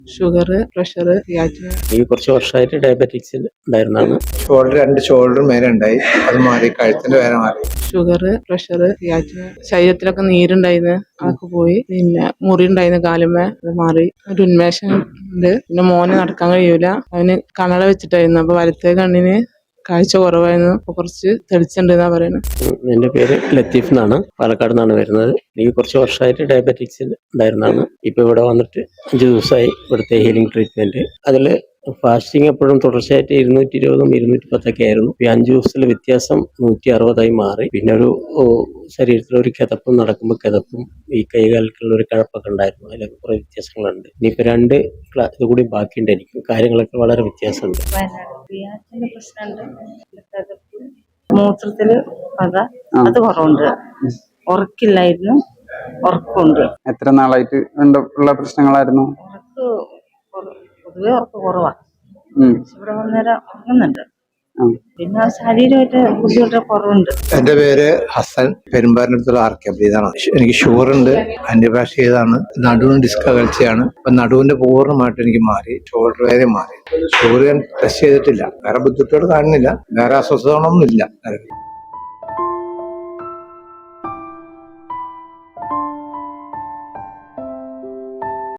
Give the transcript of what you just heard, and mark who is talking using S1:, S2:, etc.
S1: Sugar, pressure, creatine.
S2: ഈ കുറച്ച് വർഷമായിട്ട് ഡയബറ്റിക്സ് ഉണ്ടായിരുന്നതാണ്.
S3: രണ്ട് ഷോൾഡർ മേലെ ഉണ്ടായി, അത് മാറി. കഴുത്തിന്റെ വേറെ മാറി.
S1: Sugar, pressure, creatinine. ശരീരത്തിലൊക്കെ നീരുണ്ടായിരുന്നു, അതൊക്കെ പോയി. പിന്നെ മുറി ഉണ്ടായിരുന്നു കാലുമേ, അത് മാറി. ഒരു ഉന്മേഷം ഉണ്ട്. പിന്നെ മോന് നടക്കാൻ കഴിയൂല, അവന് കണ്ണട വെച്ചിട്ടായിരുന്നു. അപ്പൊ വലത്തേ കണ്ണിന് കാഴ്ച കുറവായിരുന്നു, അപ്പൊ കുറച്ച് തെളിച്ചുണ്ടെന്നാ പറയുന്നത്.
S2: എന്റെ പേര് ലത്തീഫ് എന്നാണ്, പാലക്കാട് നിന്നാണ് വരുന്നത്. എനിക്ക് കുറച്ച് വർഷമായിട്ട് ഡയബറ്റിക്സ് ഉണ്ടായിരുന്നതാണ്. ഇപ്പൊ ഇവിടെ വന്നിട്ട് 5 ദിവസമായി ഇവിടുത്തെ ഹീലിംഗ് ട്രീറ്റ്മെന്റ്. അതില് ഫാസ്റ്റിംഗ് എപ്പോഴും തുടർച്ചയായിട്ട് 220, 210 ആയിരുന്നു. ഈ 5 ദിവസത്തിലെ വ്യത്യാസം 160 മാറി. പിന്നെ ഒരു ശരീരത്തിലൊരു കിതപ്പും, നടക്കുമ്പോൾ കിതപ്പും, ഈ കൈകാലിക്കുള്ള ഒരു കഴപ്പൊക്കെ ഉണ്ടായിരുന്നു. അതിലൊക്കെ കുറെ വ്യത്യാസങ്ങളുണ്ട്. ഇനിയിപ്പോ 2 ഇത് കൂടി ബാക്കിയുണ്ട്. എനിക്ക് കാര്യങ്ങളൊക്കെ വളരെ വ്യത്യാസമുണ്ട്.
S4: മൂത്രത്തില് പത, അത് കുറവുണ്ട്. ഉറക്കില്ലായിരുന്നു, ഉറക്കമുണ്ട്.
S5: എത്ര നാളായിട്ട് ഉള്ള പ്രശ്നങ്ങളായിരുന്നു?
S4: പൊതുവെ ഉറക്കം കുറവാ. ഇവിടെ വന്നേരം ഉറങ്ങുന്നുണ്ട്. പിന്നെ ശരീരമായിട്ട് ബുദ്ധിമുട്ട് കുറവുണ്ട്.
S3: എന്റെ പേര് ഹസൻ, പെരുമ്പാറിനടുത്തുള്ള ആർക്കബ്രീതാണ്. എനിക്ക് ഷുഗർ ഉണ്ട്, ആന്റിബയോട്ടിക് ചെയ്താണ്. നടുവിന് ഡിസ്ക് അകൽച്ചയാണ്. അപ്പൊ നടുവിന്റെ പൂർണ്ണമായിട്ട് എനിക്ക് മാറി, ഷോൾഡർ വേദന മാറി. ഷുഗർ ഞാൻ ടെസ്റ്റ് ചെയ്തിട്ടില്ല, വേറെ ബുദ്ധിമുട്ടുകൾ കാണുന്നില്ല, വേറെ അസ്വസ്ഥതകളൊന്നും ഇല്ല.